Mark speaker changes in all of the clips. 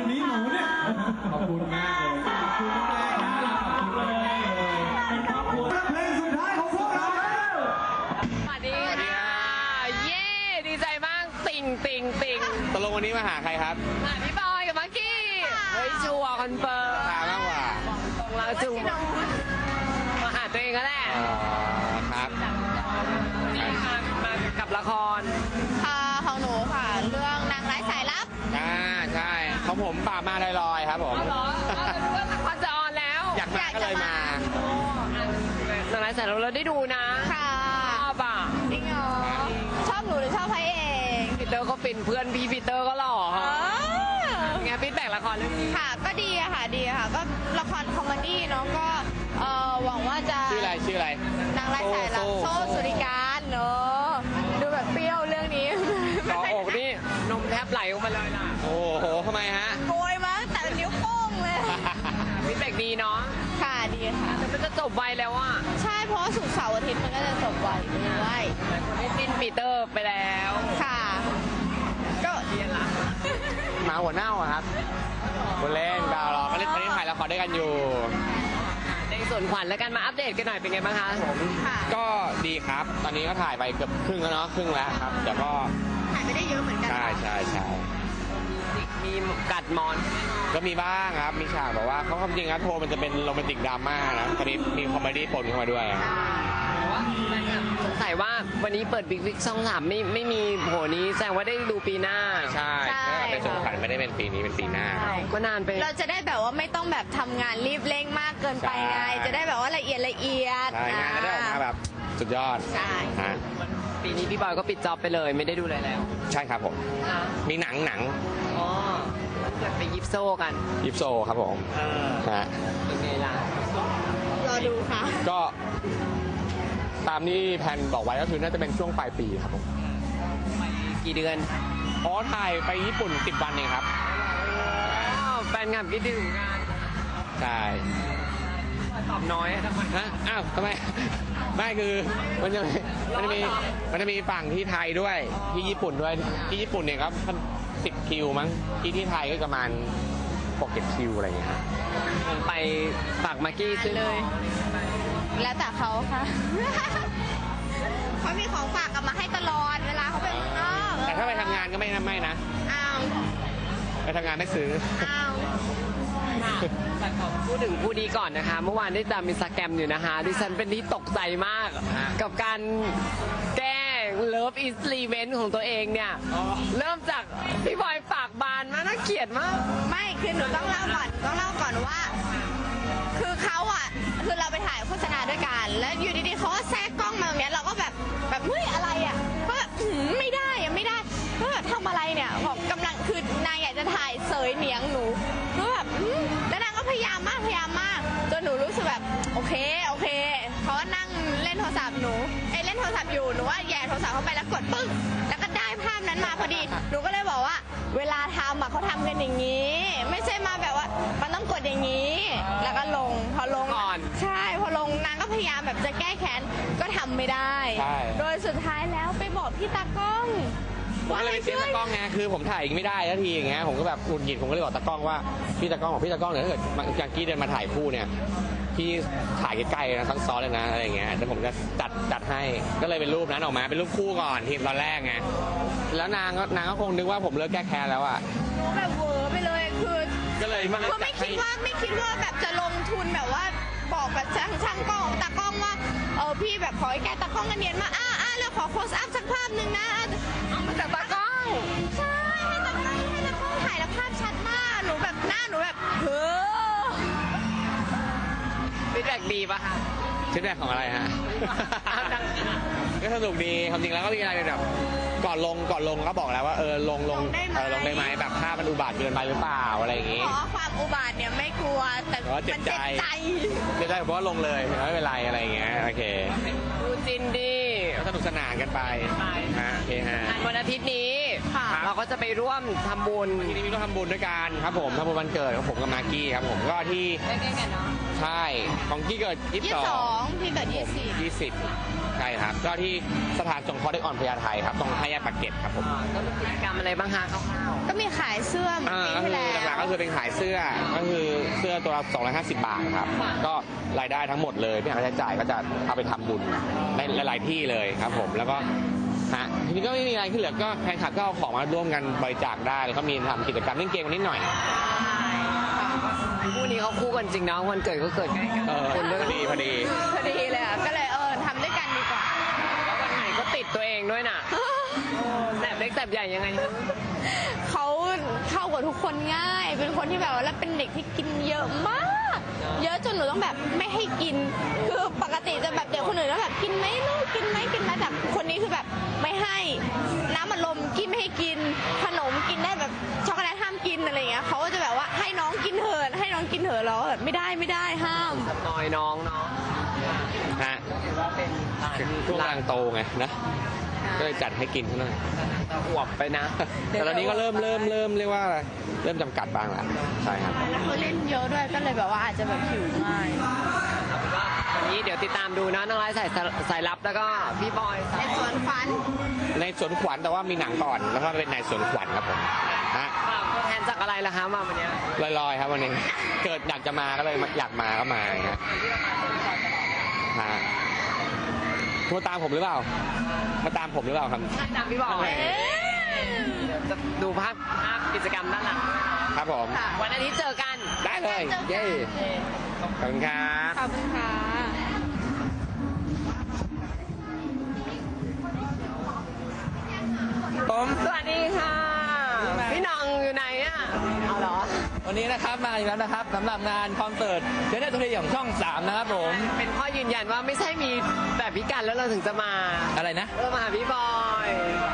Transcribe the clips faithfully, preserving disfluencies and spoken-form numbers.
Speaker 1: วันนี้หนูเนี่ยขอบคุณมากเลยขอบคุณมากนะขอบคุณเลยเป็นครอบครัวเพลงสุดท้ายของพวกเราแล้ว
Speaker 2: สวัสดีค่ะเย้ดีใจมากติ่งติ่งติ่ง
Speaker 3: ตกลงวันนี้มาหาใครครับ
Speaker 2: มาพี่บอยกับมากกี้เฮ้ยชัวร์คอนเฟิร์ม
Speaker 3: มามากกว่า
Speaker 2: ตรงแล้วจุงมาหาตัวเองก็แหละ
Speaker 3: ครับ
Speaker 2: นี่มามากับละคร
Speaker 4: ค่ะของหนูค่ะเรื่องนางร้ายสายลับ
Speaker 3: อ่าใช่ของผมป่ามาลอยๆครับผม
Speaker 2: เหรอรู้ว่าละครจะออนแล้ว
Speaker 3: อยากมาก็เลยม
Speaker 2: านางร้ายสายลับเราได้ดูนะ
Speaker 4: ค่ะ
Speaker 2: ชอบอ่ะ
Speaker 4: จริงเหรอชอบหนูหรือชอบพระเอก
Speaker 2: ปีเตอร์ก็ฟินเพื่อนพี่ปีเตอร์ก็หล่อไงฟีดแบ็กละครเรื่องนี้
Speaker 4: ค่ะก็ดีอะค่ะดีอะค่ะก็ละครคอมเมดี้เนาะก็เอ่อหวังว่าจะ
Speaker 3: ชื่ออะไรชื่ออะไร
Speaker 4: นางร้ายสายลับโซ่สุริการเนาะดูแบบเปรี้ยวเรื่องนี้
Speaker 2: ต่ออกนี่นมแทบไหลออกมาเลยล่ะ
Speaker 3: โอ้โหทำไมฮะ
Speaker 4: โกยมาแต่นิ้วโป้งเลย
Speaker 2: ฟีดแบ็กดีเนาะ
Speaker 4: ค่ะดีค่ะ
Speaker 2: แต่มันจะจบไวแล้วอ่ะ
Speaker 4: ใช่เพราะศุกร์เสาร์อาทิตย์มันก็จะจบไวด้วย
Speaker 2: คนได้จิ้นปีเตอร์ไปแล้ว
Speaker 4: ค่ะก็
Speaker 2: เรียนละ
Speaker 3: หมาหัวเน่าอะครับคนเล่นดาวรอก็เล่นตอนนี้ถ่ายละครด้วยกันอยู่
Speaker 2: ในส่วนขวัญแล้วกันมาอัปเดตกันหน่อยเป็นไงบ้างคะ
Speaker 3: ผมก็ดีครับตอนนี้ก็ถ่ายไปเกือบครึ่งแล้วเนาะครึ่งแล้วครับเดี๋ยวก็
Speaker 4: ถ่ายไม่ได้เยอะเหมือนกัน
Speaker 3: ใช่ใช่ใช่
Speaker 2: มีกัดมอน
Speaker 3: ก็มีบ้างครับมีฉากบอกว่าเขาความจริงครับโทรมันจะเป็นโรแมนติกดราม่านะตอนนี้มีคอมเมดี้ปนเข้ามาด้วย
Speaker 2: สงสัยว่าวันนี้เปิดบิ๊กบิ๊กช่องสามไม่ไม่มีโหนี้แสดงว่าได้ดูปีหน้า
Speaker 3: ใช่เป็นสงขวัญไม่ได้เป็นปีนี้เป็นปีหน้า
Speaker 2: ก็นานไป
Speaker 4: เราจะได้แบบว่าไม่ต้องแบบทำงานรีบเร่งมากเกินไปไงจะได้แบบว่าละเอียดละเอียด
Speaker 3: ใช่งานก็ได้ออกมาแบบสุดยอด
Speaker 4: ใช่
Speaker 2: ปีนี้พี่บอยก็ปิดจ็อบไปเลยไม่ได้ดูอะไรแล้ว
Speaker 3: ใช่ครับผมมีหนังหนัง
Speaker 2: อ๋อจะไปยิปโซกัน
Speaker 3: ยิปโซครับผมฮะ
Speaker 2: เป็นไงล่ะ
Speaker 4: รอดูค่ะ
Speaker 3: ก็ตามที่แผนบอกไว้ก็คือน่าจะเป็นช่วงปลายปีครับผม
Speaker 2: ไปกี่เดือน
Speaker 3: อ๋อถ่ายไปญี่ปุ่นสิบวันเองครับ
Speaker 2: แฟนงานคิดถึงงาน
Speaker 3: ใช่
Speaker 2: ตอบน้อยทำไม
Speaker 3: ฮะอ้าวทำไมไม่คือมันจะมันจะมีมันจะมีฝั่งที่ไทยด้วยที่ญี่ปุ่นด้วยที่ญี่ปุ่นเนี่ยครับสิบคิวมั้งที่ที่ไทยก็ประมาณหกเจ็ดคิวอะไรอย่างเงี้ย
Speaker 2: ไปฝากมากกี้ซื้อ
Speaker 4: เลยแล้วแต่เขาค่ะเขามีของฝากกลับมาให้ตลอดเวลาเขาไปข้างนอก
Speaker 3: แต่ถ้าไปทำงานก็ไม่ไม่นะ
Speaker 4: อ้าว
Speaker 3: ไปทำงานไม่ซื้อ
Speaker 4: อ้าว
Speaker 2: แต่ขอพูดถึงผู้ดีก่อนนะคะเมื่อวานได้ตามอินสตาแกรมอยู่นะคะดิฉันเป็นที่ตกใจมากกับการแก้เลิฟอิสลีเวนต์ของตัวเองเนี่ยเริ่มจากพี่บอยปากบานมากน่าเกลียดมาก
Speaker 4: ไม่คือหนูต้องเล่าก่อนต้องเล่าก่อนว่าคือเขาอ่ะคือเราไปถ่ายโฆษณาด้วยกันแล้วอยู่ดีๆเขาก็แทรกกล้องมาแบบนี้เราก็แบบแบบเฮ้ยอะไรอ่ะก็แบบไม่ได้อ่ะไม่ได้ก็แบบทำอะไรเนี่ยบอกกำลังคือนายอยากจะถ่ายเสยเหนียงหนูก็แบบแล้วนางก็พยายามมากพยายามมากจนหนูรู้สึกแบบโอเคโอเคเขาก็นั่งเล่นโทรศัพท์หนูไอ้เล่นโทรศัพท์อยู่หนูว่าแย่โทรศัพท์เข้าไปแล้วกดปึ้งแล้วก็ได้ภาพนั้นมาพอดีหนูก็เลยบอกว่าเวลาทำอ่ะเขาทำกันอย่างนี้ไม่ใช่มาแบบว่ามันต้องกดอย่างนี้แล้วก็ลงพอลง
Speaker 2: ก่อน
Speaker 4: ใช่พอลงนางก็พยายามแบบจะแก้แค้นก็ทำไม่ได้โดยสุดท้ายแล้วไปบอกพี่ตากล้อง
Speaker 3: ว่าอะไรเสียตากล้องไงคือผมถ่ายไม่ได้ทันทีอย่างเงี้ยผมก็แบบหงุดหงิดผมก็เลยบอกตากล้องว่าพี่ตากล้องบอกพี่ตากล้องเนี่ยถ้าเกิดจากกี้เดินมาถ่ายคู่เนี่ยพี่ถ่ายใกล้ๆนะทั้งซ้อนเลยนะอะไรอย่างเงี้ยแต่ผมจะจัดจัดให้ก็เลยเป็นรูปนั้นออกมาเป็นรูปคู่ก่อนทีมตอนแรกไงแล้วนางก็นางก็คงนึกว่าผมเลิกแก้แค้นแล้วอ่ะ
Speaker 4: แบบเวอร์ไปเลยคือ
Speaker 3: ก็เลยมัน
Speaker 4: ก็ไม่คิดว่าไม่คิดว่าแบบจะลงทุนแบบว่าบอกแบบช่างช่างกล้องตากล้องว่าเออพี่แบบขอให้แกตากล้องกันเนียนมาอ่าอ่าแล้วขอโพสอัพสักภาพหนึ่งนะ
Speaker 2: เอามาจากตากล้อง
Speaker 4: ใช่ให้ตากล้องให้ตากล้องถ่ายแล้วภาพชัดมากหนูแบบหน้าหนูแบบเฮ้อ
Speaker 2: ฟีดแบ็กดีป่ะคะ
Speaker 3: ฟีดแบ็กของอะไรฮะก็สนุกดีความจริงแล้วก็มีอะไรแบบก่อนลงก่อนลงก็บอกแล้วว่าเออลงลงเออลงได้ไหมแบบภาพมันอุบาทเกินไปหรือเปล่าอะไรอย่างงี้
Speaker 4: เพราะความอุบาทเนี่ยไม่กลัวแต่มันเจ็บใจ
Speaker 3: เจ็บใจเพราะว่าลงเลยไม่เป็นไรอะไรอย่างเงี้ยโอเค
Speaker 2: ดูจินดี
Speaker 3: สนุกสนานกันไปฮะโอเคฮะ
Speaker 2: วันอาทิตย์นี้เราก็จะไปร่วมทำบุญ
Speaker 3: วันนี้มีร่วมทำบุญด้วยกันครับผมทำบุญวันเกิดของผมกับมากกี้ครับผมก็ที่ใช่ของกี้เกิดยี่สิบสอง
Speaker 4: พี่เกิดยี่สิบ
Speaker 3: ยี่สิบใช่ครับก็ที่สถานสงเคราะห์เด็กอ่อนพญาไทครับตรงห้าแยกปากเกร็ดครับผม
Speaker 2: ก็มีกิจกรรมอะไรบ้างคะคร่าว
Speaker 4: ก็มีขายเสื้อเหมือน
Speaker 3: อ่า
Speaker 4: ปี
Speaker 3: ก็
Speaker 4: ที่
Speaker 3: คือ
Speaker 4: แล้ว
Speaker 3: หลักๆก็คือเป็นขายเสื้อก็คือเสื้อตัวละสองร้อยห้าสิบบาทครับก็รายได้ทั้งหมดเลยไม่หักค่าใช้จ่ายก็จะเอาไปทำบุญในหลายๆที่เลยครับผมแล้วก็ฮะทีนี้ก็ไม่มีอะไรที่เหลือก็แฟนคลับก็เอาของมาร่วมกันบริจาคได้แล้วก็มีทำกิจกรรมเล่นเกมกันนิดหน่อย
Speaker 2: ๆคู่นี้เขาคู่กันจริงนะวันเกิดก็เกิดใกล้กัน
Speaker 3: เออ
Speaker 2: คนด้วย
Speaker 3: พอดีพอดี
Speaker 4: พอดีเลยอ่ะ ก็เลยเออทำด้วยกันดีกว่า
Speaker 2: แล้ววันไหนก็ติดตัวเองด้วยน่ะแสบเล็กแสบใหญ่ยังไง
Speaker 4: เขาเข้ากับทุกคนง่าย เป็นคนที่แบบว่าแล้วเป็นเด็กที่กินเยอะมาก เยอะจนหนูต้องแบบไม่ให้กิน คือปกติจะแบบเด็กคนอื่นแล้วแบบกินไหมลูกกินไหมกินไหมแต่คนนี้คือแบบไม่ให้ น้ำอัดลมกินไม่ให้กิน ขนมกินได้แบบช็อกโกแลตห้ามกินอะไรอย่างเงี้ยเขาก็จะแบบว่าให้น้องกินเถอะให้น้องกินเถอะเราก็แบบไม่ได้ไม่ได้ห้าม
Speaker 2: นอยน้องเนาะ
Speaker 3: ฮะช่วงกำลังโตไงนะก็เลยจัดให้กินซะหน่อย
Speaker 2: จะอวบไปนะ
Speaker 3: แต่ตอนนี้ก็เริ่มเริ่มเริ่มเรียกว่าอะไรเริ่มจำกัดบ้างแล้วใช่ครับ
Speaker 4: แล้วเขาเล่นเยอะด้วยก็เลยแบบว่าอาจจะแบบหิวง่าย
Speaker 2: วันนี้เดี๋ยวติดตามดูนะน้องไร้สายสายลับแล้วก็พี่บอย
Speaker 4: ในสวนฟัน
Speaker 3: ในสวนขวัญแต่ว่ามีหนังก่อนแล้วก็เป็นในสวนขวัญครับผมฮะ
Speaker 2: ตัวแทนจากอะไรล่ะคะมาวันเนี้ย
Speaker 3: ลอยๆครับวันนี้เกิดอยากจะมาก็เลยอยากมาก็มาฮะฮะมาตามผมหรือเปล่ามาตามผมหรือเปล่าครับ
Speaker 2: ใช่ตามพี่บอย
Speaker 4: เอ๊ะ
Speaker 2: เดี๋ยวจะดูภาพภาพกิจกรรมด้านหลัง
Speaker 3: ครับผม
Speaker 4: ค่ะ
Speaker 2: วันอาทิตย์เจอกัน
Speaker 3: ได้เลยเย้ขอบคุณครับ
Speaker 4: ขอบคุณค่ะ
Speaker 5: ผม
Speaker 2: สวัสดีค่ะ พี่น้องอยู่ไหนอ่ะเอาเหรอ
Speaker 5: วันนี้นะครับมาอีกแล้วนะครับสำหรับงานคอนเสิร์ตเจเนอร์ทูเดย์ของช่องสามนะครับผม
Speaker 2: เป็นข้อยืนยันว่าไม่ใช่มีแบบพิการแล้วเราถึงจะมา
Speaker 5: อะไรนะ
Speaker 2: เออมาหาพี่บอย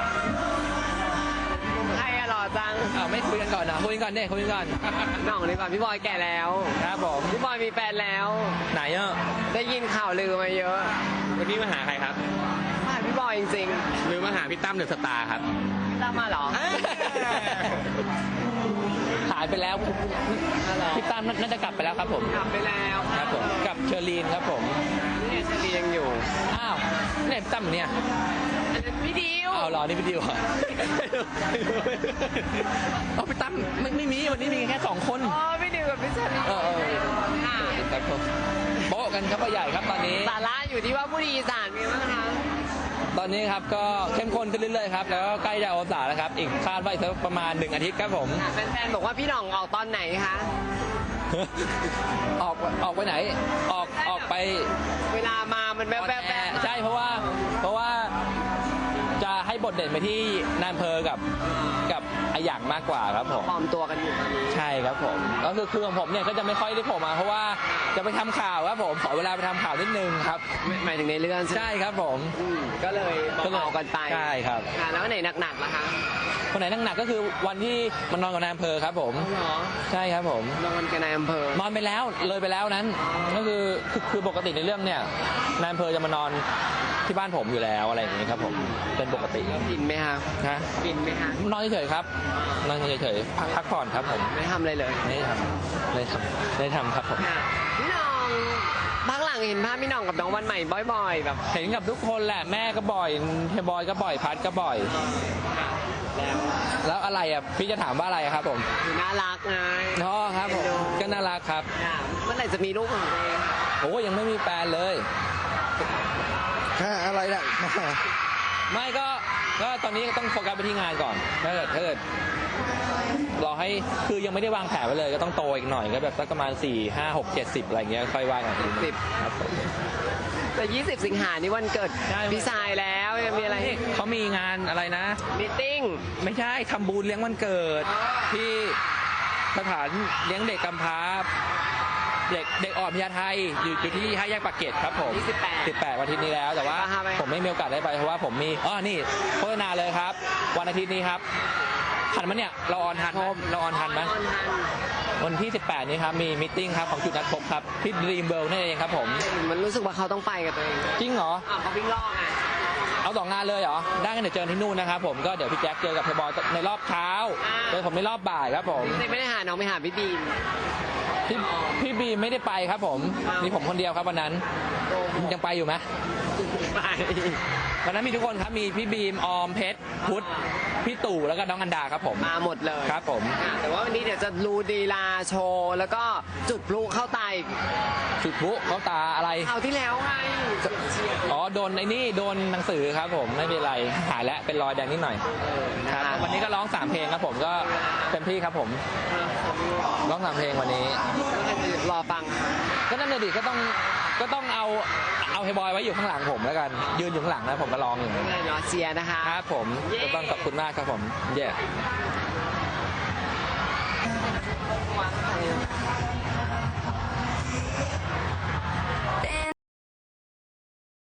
Speaker 2: ใครอะหล่อจัง
Speaker 5: อ้าวไม่คุยกันก่อนนะคุยกันก่อนเนี่ยคุยกันก่อน
Speaker 2: พี่น้องดีกว่าพี่บอยแก่แล้ว
Speaker 5: ครับผม
Speaker 2: พี่บอยมีแฟนแล้ว
Speaker 5: ไหนอ่ะ
Speaker 2: ได้ยินข่าวลือมาเยอะ
Speaker 3: วันนี้มาหาใครครับ
Speaker 2: มาหาพี่บอยจริง
Speaker 3: หรือมาหาพี่ตั้มเดอะสตาร์ครับ
Speaker 2: ๆพี่ตั้มมาเหรอ
Speaker 5: หายไปแล้ว
Speaker 2: มาเหรอ
Speaker 5: พี่ตั้มน่าจะกลับไปแล้วครับผม
Speaker 2: กลับไปแล้ว
Speaker 5: ครับผมกับเชอรีนครับผม
Speaker 2: นี่เชลียังอยู่
Speaker 5: อ้าวเนี่ยพี่ตั้มเนี่ย
Speaker 2: อันนั้นพี่ดิว
Speaker 5: เอาเหรอนี่พี่ดิวเหรอเอาพี่ตั้มไม่ไม่มีวันนี้มีแค่สองคน
Speaker 2: อ๋อพี่ดิวกับพี่เชลี
Speaker 5: เออเออ
Speaker 2: ค่ะ
Speaker 5: ครับผมโบ๊ะกันครับพ่อใหญ่ครับตอนนี้
Speaker 2: สาระอยู่ที่ว่าผู้ดีอีสานมีบ้างคะ
Speaker 5: ตอนนี้ครับก็เข้มข้นขึ้นเรื่อยๆครับแล้วก็ใกล้จะอวสานแล้วครับอีกคาดว่าอีกสักประมาณหนึ่งอาทิตย์ครับผม
Speaker 2: แฟนๆบอกว่าพี่หน่องออกตอนไหนคะ
Speaker 5: ออกออกไปไหน ออกออกไป
Speaker 2: เวลามามันแวบๆแวบๆ
Speaker 5: ใช่เพราะว่าเพราะว่าจะให้บทเด่นไปที่นายอำเภอกับกับไอหยางมากกว่าครับผม
Speaker 2: ปลอมตัวกันอยู่ตอนนี้
Speaker 5: ใช่ครับผมก็คือคือของผมเนี่ยก็จะไม่ค่อยได้โผล่มาเพราะว่าจะไปทำข่าวครับผมขอเวลาไปทำข่าวนิดนึงครับ
Speaker 2: หมายถึงในเรื่องใช่ไหม
Speaker 5: ใช่ครับผม
Speaker 2: อืมก็เลยเบาๆกันไป
Speaker 5: ใช่ครับ
Speaker 2: ค่ะแล้วไหนหนักๆล่ะคะ
Speaker 5: คนไหนหนักๆก็คือวันที่มันนอนกับนายอำเภอครับผม
Speaker 2: เหรอ
Speaker 5: ใช่ครับผม
Speaker 2: นอนกันในอำเภอน
Speaker 5: อนไปแล้วเลยไปแล้วนั้นก็คือคือคือปกติในเรื่องเนี่ยนายอำเภอจะมานอนที่บ้านผมอยู่แล้วอะไรอย่างนี้ครับผมเป็นปกติ
Speaker 2: บินไหมคะ
Speaker 5: นะ
Speaker 2: บินไหมคะ
Speaker 5: นอนเฉยๆครับนอนเฉยๆพักพักผ่อนครับผม
Speaker 2: ไม่ทำอะไรเลย
Speaker 5: ไม่ได้ทำไม่ได้ทำไม่ได้ทำครับผม
Speaker 2: ค่ะพี่หน้องพักหลังเห็นภาพพี่หน้องกับน้องวันใหม่บ่อยๆ แบบ
Speaker 5: เห็นกับทุกคนแหละแม่ก็บ่อยเฮยบอยก็บ่อยพัดก็บ่อย
Speaker 2: แล้ว
Speaker 5: แล้วอะไรอ่ะพี่จะถามว่าอะไรครับผม
Speaker 2: คือน่ารักไง
Speaker 5: อ๋อครับผมก็น่ารักครับ
Speaker 2: ค่ะเมื่อไหร่จะมีลูกของตัวเอง
Speaker 5: โอ้ยังไม่มีแฟนเลยอะไรล่ะไม่ก็ก็ตอนนี้ต้องโฟกัสไปที่งานก่อนถ้าเกิดถ้าเกิดรอให้คือยังไม่ได้วางแผนไว้เลยก็ต้องโตอีกหน่อยก็แบบสักประมาณสี่ห้าหกเจ็ดสิบอะไรเงี้ยค่อยว่ากันทีนึง
Speaker 2: สิบ
Speaker 5: ครับผม
Speaker 2: แต่ยี่สิบสิงหานี่วันเกิด
Speaker 5: ใช่
Speaker 2: พี่ชายแล้วยังมีอะไร
Speaker 5: เขามีงานอะไรนะ
Speaker 2: มีติ้ง
Speaker 5: ไม่ใช่ทำบุญเลี้ยงวันเกิด ที่สถานเลี้ยงเด็กกำพร้าเด็กเด็กอ่อนพญาไทอยู่อยู่ที่ห้าแยกปากเกร็ดครับผม
Speaker 2: ยี่สิบแปด
Speaker 5: สิบแปดวันอาทิตย์นี้แล้วแต่ว่า
Speaker 2: อ่าฮะไป
Speaker 5: ผมไม่มีโอกาสได้ไปเพราะว่าผมมีอ๋อนี่โฆษณาเลยครับ วันอาทิตย์นี้ครับทันมั้ยเนี่ยเราออนทันไหมเราออนทันไหม
Speaker 2: ออนทัน
Speaker 5: วันที่สิบแปดนี้ครับมีมิทติ้งครับของจุดนัดพบครับที่ Dream World นั่นเองครับผม
Speaker 2: มันรู้สึกว่าเขาต้องไปกับตัวเอง
Speaker 5: จริงเหรอ
Speaker 2: อ่าวเขาวิ่งลอกไง
Speaker 5: เอาเอาสองงานเลยเหรอได้กันเดี๋ยวเจอที่นู่นนะครับผมก็เดี๋ยวพี่แจ็คเจอกับพี่บอยในรอบเช้าเจอผมในรอบบ่ายครับผม
Speaker 2: ไม่ได้หาน้องไปหาพี่บีม
Speaker 5: พี่พี่บีมไม่ได้ไปครับผมมีผมคนเดียวครับวันนั้นยังไปอยู่ไหม
Speaker 2: ไป
Speaker 5: วันนั้นมีทุกคนครับมีพี่บีมออมเพชรพุทธพี่ตู่แล้วก็น้องอันดาครับผม
Speaker 2: มาหมดเลย
Speaker 5: ครับผม
Speaker 2: ค่ะแต่ว่าวันนี้เดี๋ยวจะรูดีลาโชว์แล้วก็จุดพลุเข้าตาอีก
Speaker 5: จุดพลุเขาตาอะไร
Speaker 2: คราวที่แล้วไง
Speaker 5: อ๋อโดนไอ้นี่โดนหนังสือครับผมไม่เป็นไรหายแล้วเป็นรอยแดงนิดหน่อยครับวันนี้ก็ร้องสามเพลงครับผมก็เต็มที่ครับผมร้องสามเพลงวันนี้
Speaker 2: รอฟัง
Speaker 5: ก็นั่นเลยดิก็ต้องก็ต้องเอาเอาเฮยบอยไว้อยู่ข้างหลังผมแล้วกันยืนอยู่ข้างหลังแล้วผมก็ร้องอยู่
Speaker 2: เนาะเชียร์นะคะ
Speaker 5: ครับผมก็ต้องขอบคุณมากครับผมเย้
Speaker 6: Then